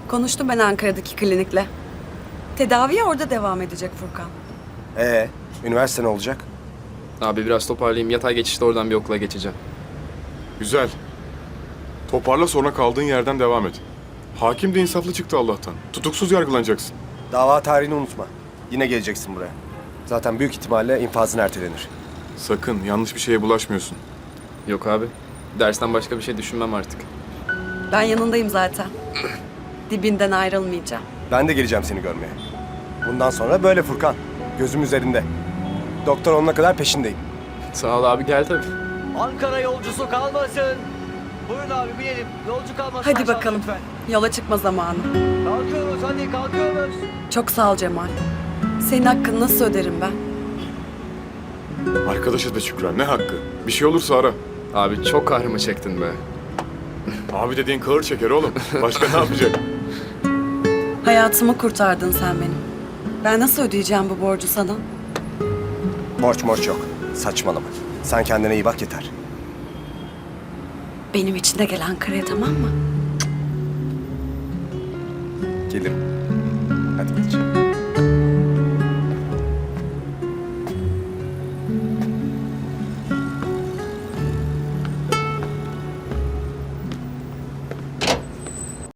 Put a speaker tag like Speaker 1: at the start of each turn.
Speaker 1: Konuştum ben Ankara'daki klinikle. Tedaviye orada devam edecek Furkan.
Speaker 2: Üniversite ne olacak?
Speaker 3: Abi biraz toparlayayım. Yatay geçişte oradan bir okula geçeceğim.
Speaker 4: Güzel. Toparla, sonra kaldığın yerden devam et. Hakim de insaflı çıktı Allah'tan. Tutuksuz yargılanacaksın.
Speaker 2: Dava tarihini unutma. Yine geleceksin buraya. Zaten büyük ihtimalle infazın ertelenir.
Speaker 4: Sakın yanlış bir şeye bulaşmıyorsun.
Speaker 3: Yok abi. Dersten başka bir şey düşünmem artık.
Speaker 1: Ben yanındayım zaten. Dibinden ayrılmayacağım.
Speaker 2: Ben de geleceğim seni görmeye. Bundan sonra böyle Furkan. Gözüm üzerinde. Doktor olana kadar peşindeyim.
Speaker 3: Sağ ol abi, gel tabii.
Speaker 5: Ankara yolcusu kalmasın. Buyurun abi binelim. Yolcu kalmasın.
Speaker 1: Hadi
Speaker 5: aşağıda
Speaker 1: bakalım.
Speaker 5: lütfen.
Speaker 1: Yola çıkma zamanı.
Speaker 5: Kalkıyoruz hadi kalkıyoruz.
Speaker 1: Çok sağ ol Cemal. Senin hakkını nasıl öderim ben?
Speaker 4: Arkadaşa da Şükran, ne hakkı? Bir şey olursa ara.
Speaker 3: Abi çok kahrımı çektin be.
Speaker 4: Abi dediğin kağır çeker oğlum. Başka ne yapacak?
Speaker 1: Hayatımı kurtardın sen benim. Ben nasıl ödeyeceğim bu borcu sana?
Speaker 2: Borç morç yok. Saçmalama. Sen kendine iyi bak yeter.
Speaker 1: Benim için de gel Ankara'ya, tamam mı?
Speaker 2: Gelirim. Hadi geç.